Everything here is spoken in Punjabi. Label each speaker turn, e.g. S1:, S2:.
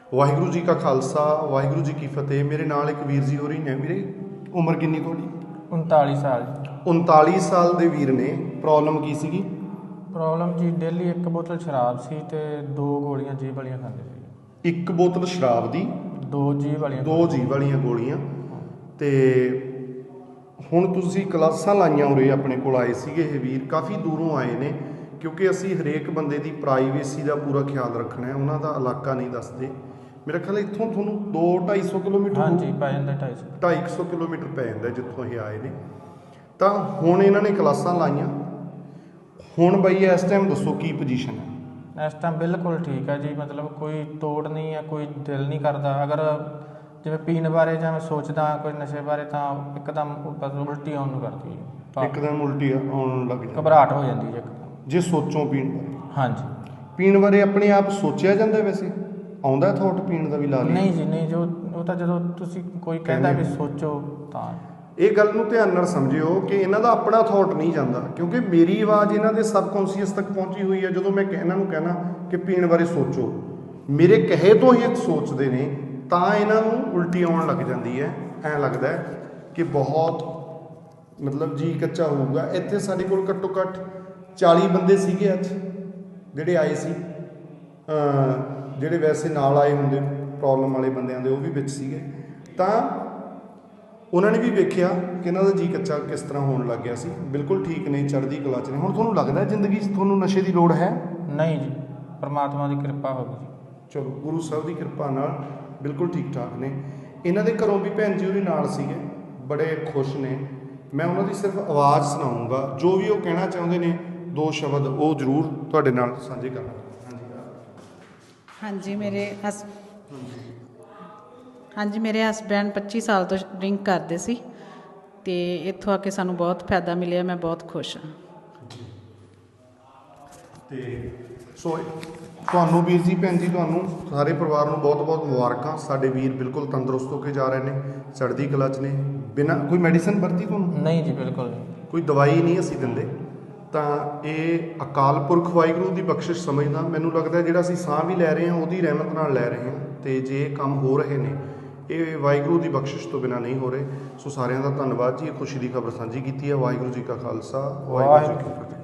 S1: ਵਾਹਿਗੁਰੂ ਜੀ ਕਾ ਖਾਲਸਾ ਵਾਹਿਗੁਰੂ ਜੀ ਕੀ ਫਤਿਹ। ਮੇਰੇ ਨਾਲ ਇੱਕ ਵੀਰ ਜੀ ਹੋ ਰਹੀ ਨੇ। ਵੀਰੇ ਉਮਰ ਕਿੰਨੀ ਤੁਹਾਡੀ?
S2: 39 ਸਾਲ।
S1: 39 ਸਾਲ ਦੇ ਵੀਰ ਨੇ। ਪ੍ਰੋਬਲਮ ਕੀ ਸੀਗੀ?
S2: ਪ੍ਰੋਬਲਮ ਜੀ ਡੇਲੀ ਇੱਕ ਬੋਤਲ ਸ਼ਰਾਬ ਸੀ ਤੇ 2 ਗੋਲੀਆਂ ਜੀਭ ਵਾਲੀਆਂ ਖਾਂਦੇ ਸੀ।
S1: ਇੱਕ ਬੋਤਲ ਸ਼ਰਾਬ ਦੀ,
S2: 2 ਜੀਭ
S1: ਵਾਲੀਆਂ ਗੋਲੀਆਂ। ਤੇ ਹੁਣ ਤੁਸੀਂ ਕਲਾਸਾਂ ਲਾਈਆਂ ਉਰੇ ਆਪਣੇ ਕੋਲ ਆਏ ਸੀਗੇ। ਇਹ ਵੀਰ ਕਾਫੀ ਦੂਰੋਂ ਆਏ ਨੇ ਕਿਉਂਕਿ ਅਸੀਂ ਹਰੇਕ ਬੰਦੇ ਦੀ ਪ੍ਰਾਈਵੇਸੀ ਦਾ ਪੂਰਾ ਖਿਆਲ ਰੱਖਣਾ ਹੈ। ਉਹਨਾਂ ਦਾ ਇਲਾਕਾ ਨਹੀਂ ਦੱਸਦੇ। ਮੇਰਾ ਖਿਆਲ ਇੱਥੋਂ ਤੁਹਾਨੂੰ 200-250 ਕਿਲੋਮੀਟਰ,
S2: ਹਾਂਜੀ ਪੈ ਜਾਂਦਾ
S1: 250 ਕਿਲੋਮੀਟਰ ਪੈ ਜਾਂਦਾ ਜਿੱਥੋਂ ਇਹ ਆਏ ਨੇ। ਤਾਂ ਹੁਣ ਇਹਨਾਂ ਨੇ ਕਲਾਸਾਂ ਲਾਈਆਂ। ਹੁਣ ਬਈ ਇਸ ਟਾਈਮ ਦੱਸੋ ਕੀ ਪੋਜੀਸ਼ਨ ਹੈ?
S2: ਇਸ ਟਾਈਮ ਬਿਲਕੁਲ ਠੀਕ ਹੈ ਜੀ। ਮਤਲਬ ਕੋਈ ਤੋੜ ਨਹੀਂ ਹੈ, ਕੋਈ ਦਿਲ ਨਹੀਂ ਕਰਦਾ। ਅਗਰ ਜਿਵੇਂ ਪੀਣ ਬਾਰੇ ਜਾਂ ਮੈਂ ਸੋਚਦਾ ਕੋਈ ਨਸ਼ੇ ਬਾਰੇ ਤਾਂ ਇੱਕਦਮ ਉਲਟੀ ਆਉਣ ਨੂੰ ਕਰਦੀ ਹੈ।
S1: ਇੱਕਦਮ ਉਲਟੀ ਆਉਣ ਲੱਗ ਜਾਂਦੀ,
S2: ਘਬਰਾਹਟ ਹੋ ਜਾਂਦੀ ਹੈ
S1: ਜੇ ਸੋਚੋ ਪੀਣ ਬਾਰੇ।
S2: ਹਾਂਜੀ,
S1: ਪੀਣ ਬਾਰੇ ਆਪਣੇ ਆਪ ਸੋਚਿਆ ਜਾਂਦਾ? ਵੈਸੇ ਆਉਂਦਾ ਥੋਟ ਪੀਣ ਦਾ ਵੀ? ਲਾ ਲਈ
S2: ਨਹੀਂ ਜੀ ਨਹੀਂ। ਉਹ ਤਾਂ ਜਦੋਂ ਤੁਸੀਂ ਕੋਈ ਕਹਿੰਦਾ ਵੀ ਸੋਚੋ ਤਾਂ।
S1: ਇਹ ਗੱਲ ਨੂੰ ਧਿਆਨ ਨਾਲ ਸਮਝਿਓ ਕਿ ਇਹਨਾਂ ਦਾ ਆਪਣਾ ਥੋਟ ਨਹੀਂ ਜਾਂਦਾ, ਕਿਉਂਕਿ ਮੇਰੀ ਆਵਾਜ਼ ਇਹਨਾਂ ਦੇ ਸਬਕੌਂਸ਼ੀਅਸ ਤੱਕ ਪਹੁੰਚੀ ਹੋਈ ਹੈ। ਜਦੋਂ ਮੈਂ ਇਹਨਾਂ ਨੂੰ ਕਹਿਣਾ ਕਿ ਪੀਣ ਬਾਰੇ ਸੋਚੋ, ਮੇਰੇ ਕਹੇ ਤੋਂ ਹੀ ਸੋਚਦੇ ਨੇ ਤਾਂ ਇਹਨਾਂ ਨੂੰ ਉਲਟੀ ਆਉਣ ਲੱਗ ਜਾਂਦੀ ਹੈ। ਐਂ ਲੱਗਦਾ ਹੈ ਕਿ ਬਹੁਤ ਮਤਲਬ ਜੀ ਕੱਚਾ ਹੋਊਗਾ। ਇੱਥੇ ਸਾਡੇ ਕੋਲ ਘੱਟੋ ਘੱਟ 40 ਬੰਦੇ ਸੀਗੇ ਅੱਜ ਜਿਹੜੇ ਆਏ ਸੀ। ਜਿਹੜੇ ਵੈਸੇ ਨਾਲ ਆਏ ਹੁੰਦੇ ਪ੍ਰੋਬਲਮ ਵਾਲੇ ਬੰਦਿਆਂ ਦੇ, ਉਹ ਵੀ ਵਿੱਚ ਸੀਗੇ। ਤਾਂ ਉਹਨਾਂ ਨੇ ਵੀ ਵੇਖਿਆ ਕਿ ਇਹਨਾਂ ਦਾ ਜੀ ਕੱਚਾ ਕਿਸ ਤਰ੍ਹਾਂ ਹੋਣ ਲੱਗ ਗਿਆ ਸੀ। ਬਿਲਕੁਲ ਠੀਕ ਨੇ, ਚੜ੍ਹਦੀ ਕਲਾ 'ਚ ਨੇ। ਹੁਣ ਤੁਹਾਨੂੰ ਲੱਗਦਾ ਜ਼ਿੰਦਗੀ 'ਚ ਤੁਹਾਨੂੰ ਨਸ਼ੇ ਦੀ ਲੋੜ ਹੈ?
S2: ਨਹੀਂ ਜੀ, ਪਰਮਾਤਮਾ ਦੀ ਕਿਰਪਾ ਹੋ ਗਈ।
S1: ਚਲੋ, ਗੁਰੂ ਸਾਹਿਬ ਦੀ ਕਿਰਪਾ ਨਾਲ ਬਿਲਕੁਲ ਠੀਕ ਠਾਕ ਨੇ। ਇਹਨਾਂ ਦੇ ਘਰੋਂ ਵੀ ਭੈਣ ਜੀ ਉਹਦੇ ਨਾਲ ਸੀਗੇ, ਬੜੇ ਖੁਸ਼ ਨੇ। ਮੈਂ ਉਹਨਾਂ ਦੀ ਸਿਰਫ ਆਵਾਜ਼ ਸੁਣਾਊਂਗਾ, ਜੋ ਵੀ ਉਹ ਕਹਿਣਾ ਚਾਹੁੰਦੇ ਨੇ 2 ਸ਼ਬਦ ਉਹ ਜ਼ਰੂਰ ਤੁਹਾਡੇ ਨਾਲ ਸਾਂਝੇ ਕਰਨਾ।
S3: ਹਾਂਜੀ, ਮੇਰੇ ਹਸਬੈਂਡ 25 ਸਾਲ ਤੋਂ ਡਰਿੰਕ ਕਰਦੇ ਸੀ ਅਤੇ ਇੱਥੋਂ ਆ ਕੇ ਸਾਨੂੰ ਬਹੁਤ ਫਾਇਦਾ ਮਿਲਿਆ। ਮੈਂ ਬਹੁਤ ਖੁਸ਼ ਹਾਂ।
S1: ਅਤੇ ਸੋ ਤੁਹਾਨੂੰ ਵੀਰ ਜੀ, ਭੈਣ ਜੀ, ਤੁਹਾਨੂੰ ਸਾਰੇ ਪਰਿਵਾਰ ਨੂੰ ਬਹੁਤ ਬਹੁਤ ਮੁਬਾਰਕਾਂ। ਸਾਡੇ ਵੀਰ ਬਿਲਕੁਲ ਤੰਦਰੁਸਤ ਹੋ ਕੇ ਜਾ ਰਹੇ ਨੇ, ਚੜ੍ਹਦੀ ਕਲਾ 'ਚ ਨੇ। ਬਿਨਾਂ ਕੋਈ ਮੈਡੀਸਨ ਵਰਤੀ ਤੁਹਾਨੂੰ?
S2: ਨਹੀਂ ਜੀ, ਬਿਲਕੁਲ ਨਹੀਂ।
S1: ਕੋਈ ਦਵਾਈ ਨਹੀਂ ਅਸੀਂ ਦਿੰਦੇ। ਤਾਂ ਇਹ ਅਕਾਲ ਪੁਰਖ ਵਾਹਿਗੁਰੂ ਦੀ ਬਖਸ਼ਿਸ਼ ਸਮਝਦਾ। ਮੈਨੂੰ ਲੱਗਦਾ ਜਿਹੜਾ ਅਸੀਂ ਸਾਹ ਵੀ ਲੈ ਰਹੇ ਹਾਂ ਉਹਦੀ ਰਹਿਮਤ ਨਾਲ ਲੈ ਰਹੇ ਹਾਂ। ਅਤੇ ਜੇ ਇਹ ਕੰਮ ਹੋ ਰਹੇ ਨੇ ਇਹ ਵਾਹਿਗੁਰੂ ਦੀ ਬਖਸ਼ਿਸ਼ ਤੋਂ ਬਿਨਾਂ ਨਹੀਂ ਹੋ ਰਹੇ। ਸੋ ਸਾਰਿਆਂ ਦਾ ਧੰਨਵਾਦ ਜੀ। ਇਹ ਖੁਸ਼ੀ ਦੀ ਖਬਰ ਸਾਂਝੀ ਕੀਤੀ ਹੈ। ਵਾਹਿਗੁਰੂ ਜੀ ਕਾ ਖਾਲਸਾ, ਵਾਹਿਗੁਰੂ ਜੀ ਕੀ ਫਤਿਹ।